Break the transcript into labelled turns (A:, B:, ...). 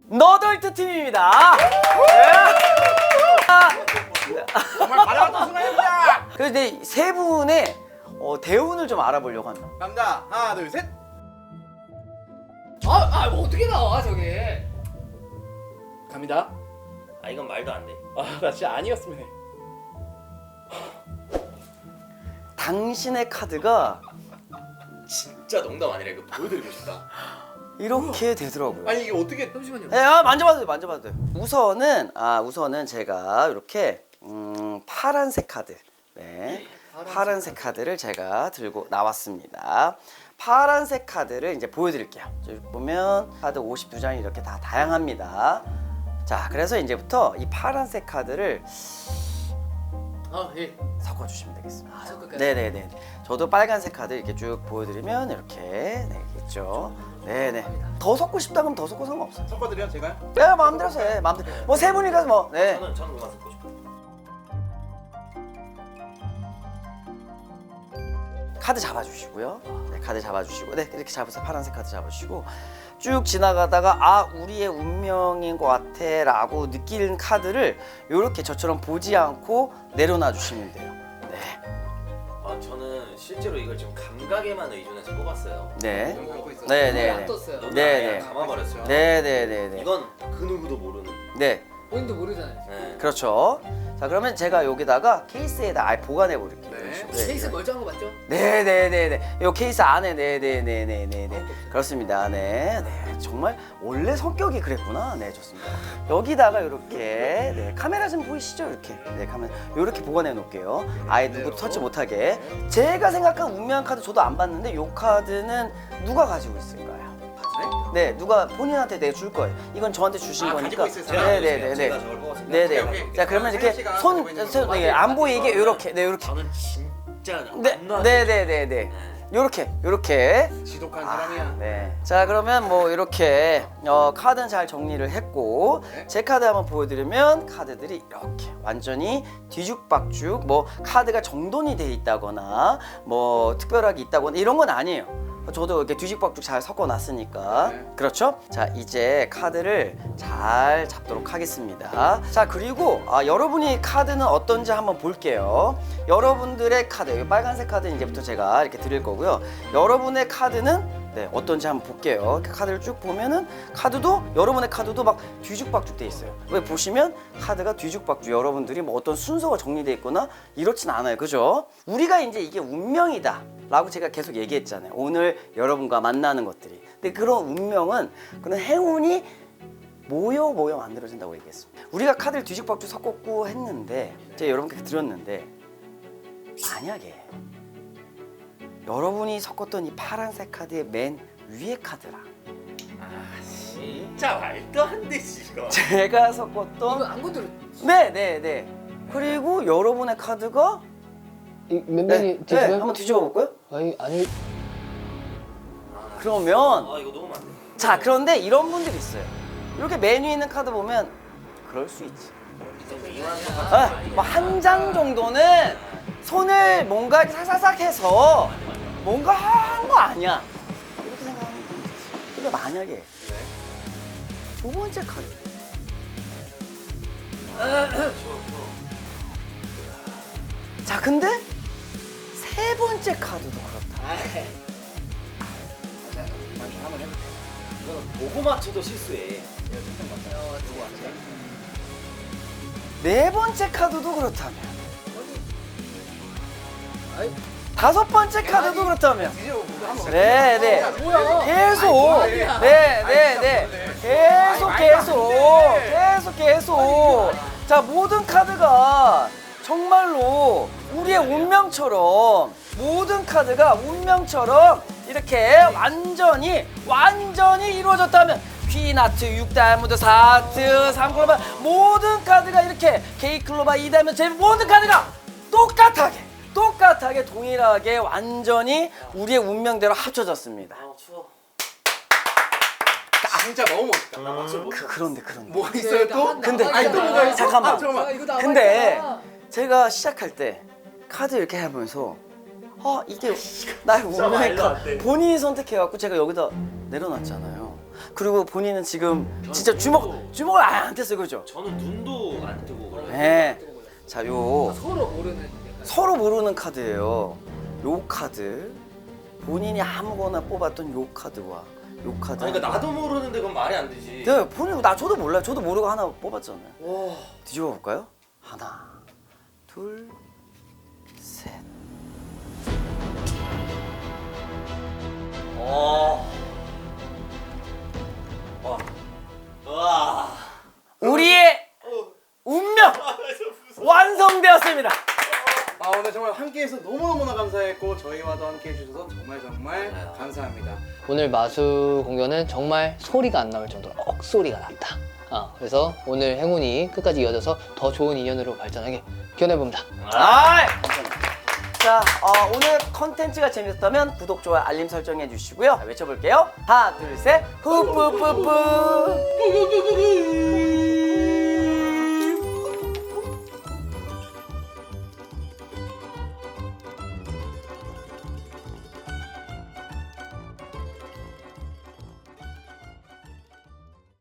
A: 너덜트 팀입니다.
B: 정말 바라봤던 순간입니다.
A: 그래서 이제 세 분의 대운을 좀 알아보려고 합니다.
B: 갑니다. 하나, 둘, 셋.
C: 뭐 어떻게 나와 저게?
B: 갑니다.
D: 아 이건 말도 안 돼.
B: 나 진짜 아니었으면 해.
A: 당신의 카드가
D: 진짜 농담 아니라 이거 보여드리고 싶다.
A: 이렇게 되더라고요.
B: 아니 이게 어떻게?
C: 잠시만요.
A: 네, 만져봐도 돼요. 우선은 제가 이렇게 파란색 카드, 네, 파란색 카드를 제가 들고 나왔습니다. 파란색 카드를 이제 보여드릴게요. 여기 보면 카드 52장이 이렇게 다 다양합니다. 자, 그래서 이제부터 이 파란색 카드를
C: 예.
A: 섞어주시면 되겠습니다.
C: 섞을까요?
A: 네네네. 저도 빨간색 카드 이렇게 쭉 보여드리면 이렇게 있죠. 네네. 더 섞고 싶다 그러면 더 섞고 상관없어요.
B: 섞어드려 제가요?
A: 네, 마음대로 해. 마음대로. 뭐 세 분이라서 뭐. 네.
D: 저는 그만 듣고 싶어.
A: 카드 잡아주시고요. 네, 카드 잡아주시고, 네, 이렇게 잡으세요. 파란색 카드 잡아주시고 쭉 지나가다가 우리의 운명인 것 같아라고 느끼는 카드를 이렇게 저처럼 보지 않고 내려놔 주시면 돼요. 네,
D: 아 저는 실제로 이걸 지금 감각에만 의존해서 뽑았어요.
A: 네,
B: 눈 감고 있어.
A: 네,
C: 안
A: 네,
C: 떴어요.
D: 눈을
A: 네,
D: 아예
A: 네.
D: 감아버렸어요.
A: 네, 네, 네, 네.
D: 이건 그 누구도 모르는.
A: 네,
C: 본인도 모르잖아요.
D: 네.
A: 그렇죠. 자, 그러면 제가 여기다가 케이스에다 아예 보관해 버릴게요.
B: 네.
A: 이런 식으로.
C: 케이스 멀쩡한 거 맞죠?
A: 네네네네. 이 케이스 안에 네네네네네. 그렇습니다. 네, 네. 정말 원래 성격이 그랬구나. 네, 좋습니다. 여기다가 이렇게 네, 카메라 좀 보이시죠? 이렇게 네, 카메라 이렇게 보관해 놓을게요. 아예 누구도 터치 못하게. 제가 생각한 운명한 카드 저도 안 봤는데 이 카드는 누가 가지고 있을까요? 네, 누가 본인한테 내줄 거예요. 이건 저한테 주신 거니까.
B: 가지고 있을 사람?
A: 네네네네.
D: 제가 저걸 뽑았습니다.
A: 네네.
B: 오케이.
A: 자, 그러면
B: 하연
A: 이렇게
B: 씨가
A: 손,
B: 가지고 있는 거
A: 안 보이게 이렇게, 네, 이렇게.
D: 저는 진짜
A: 네,
D: 안 놔줘요.
A: 네네네네. 요렇게.
B: 지독한 사람이야.
A: 네. 자, 그러면 뭐 이렇게 카드는 잘 정리를 했고
B: 네.
A: 제 카드 한번 보여드리면 카드들이 이렇게 완전히 뒤죽박죽 뭐 카드가 정돈이 돼 있다거나 뭐 특별하게 있다거나 이런 건 아니에요. 저도 이렇게 뒤죽박죽 잘 섞어놨으니까.
B: 네.
A: 그렇죠? 자, 이제 카드를 잘 잡도록 하겠습니다. 자, 그리고 여러분이 카드는 어떤지 한번 볼게요. 여러분들의 카드, 이 빨간색 카드는 이제부터 제가 이렇게 드릴 거고요. 여러분의 카드는 네, 어떤지 한번 볼게요. 이렇게 카드를 쭉 보면은 여러분의 카드도 막 뒤죽박죽 돼 있어요. 왜 보시면 카드가 뒤죽박죽, 여러분들이 뭐 어떤 순서가 정리돼 있거나 이렇진 않아요. 그죠? 우리가 이제 이게 운명이다 라고 제가 계속 얘기했잖아요. 오늘 여러분과 만나는 것들이. 근데 그런 운명은, 그런 행운이 모여 만들어진다고 얘기했습니다. 우리가 카드를 뒤죽박죽 섞었고 했는데 제가 여러분께 드렸는데, 만약에 여러분이 섞었던 이 파란색 카드의 맨 위에 카드랑
D: 진짜 말도 안 되지 이거.
A: 제가
C: 이거
A: 섞었던
C: 안 건드려.
A: 네네네, 그리고 여러분의 카드가
E: 몇
A: 네,
E: 명이
A: 네, 한번 뒤집어 볼까요?
E: 아니
A: 그러면
D: 아 이거 너무 안 돼.
A: 자, 그런데 이런 분들이 있어요. 이렇게 메뉴 있는 카드 보면 그럴 수 있지. 뭐 한 장 정도는 손을 뭔가 이렇게 사사삭 해서 뭔가 한 거 아니야, 이렇게 생각하면 되지. 근데 만약에 두 번째 카드, 자, 근데 세 번째 카드도 그렇다.
D: 이거는 보고 맞춰도 실수해.
A: 네 번째 카드도 그렇다면,
C: 아이,
A: 다섯 번째 카드도 그렇다면, 네네,
C: 뭐야?
A: 계속, 네네네, 계속. 자, 모든 카드가 정말로 우리의 운명처럼, 모든 카드가 운명처럼 이렇게 완전히 이루어졌다면, 퀸하트, 6다이아몬드, 4하트, 3클로바, 모든 카드가 이렇게 K클로바, 2다이아몬드, 제 모든 카드가 똑같하게 동일하게 완전히 우리의 운명대로 합쳐졌습니다.
D: 아 추워.
B: 진짜 너무 멋있다.
D: 나 박수 못 쳐.
A: 그런데
B: 뭐가 있어요 또?
A: 근데
B: 아니 또 뭐가 있어?
A: 잠깐만.
B: 잠깐만.
C: 이거 나
A: 근데 제가 시작할 때 카드 이렇게 하면서 이게 나의 운명의
D: 말도 안
A: 카드
D: 돼.
A: 본인이 선택해갖고 제가 여기다 내려놨잖아요. 그리고 본인은 지금 진짜 주먹을 아예 안 뗐어요, 그죠?
D: 저는 눈도 안 뜨고 그래요.
A: 네. 자, 요
C: 서로 모르는 약간
A: 서로 모르는 카드예요. 요 카드 본인이 아무거나 뽑았던 요 카드와 요 카드.
D: 아니, 그러니까 나도 모르는데 그건 말이 안 되지.
A: 네, 본인 저도 몰라요. 저도 모르고 하나 뽑았잖아요.
B: 와.
A: 뒤집어 볼까요? 하나, 둘, 셋.
D: 와. 와.
A: 우리의 운명 완성되었습니다.
B: 아 오늘 정말 함께해서 너무너무나 감사했고 저희와도 함께 해주셔서 정말 감사합니다.
E: 오늘 마수 공연은 정말 소리가 안 나올 정도로 억소리가 났다. 그래서 오늘 행운이 끝까지 이어져서 더 좋은 인연으로 발전하게 기원해봅니다.
A: 자, 오늘 컨텐츠가 재밌었다면 구독, 좋아요, 알림 설정해 주시고요. 자, 외쳐볼게요. 하나, 둘, 셋. 후뿌뿌뿌.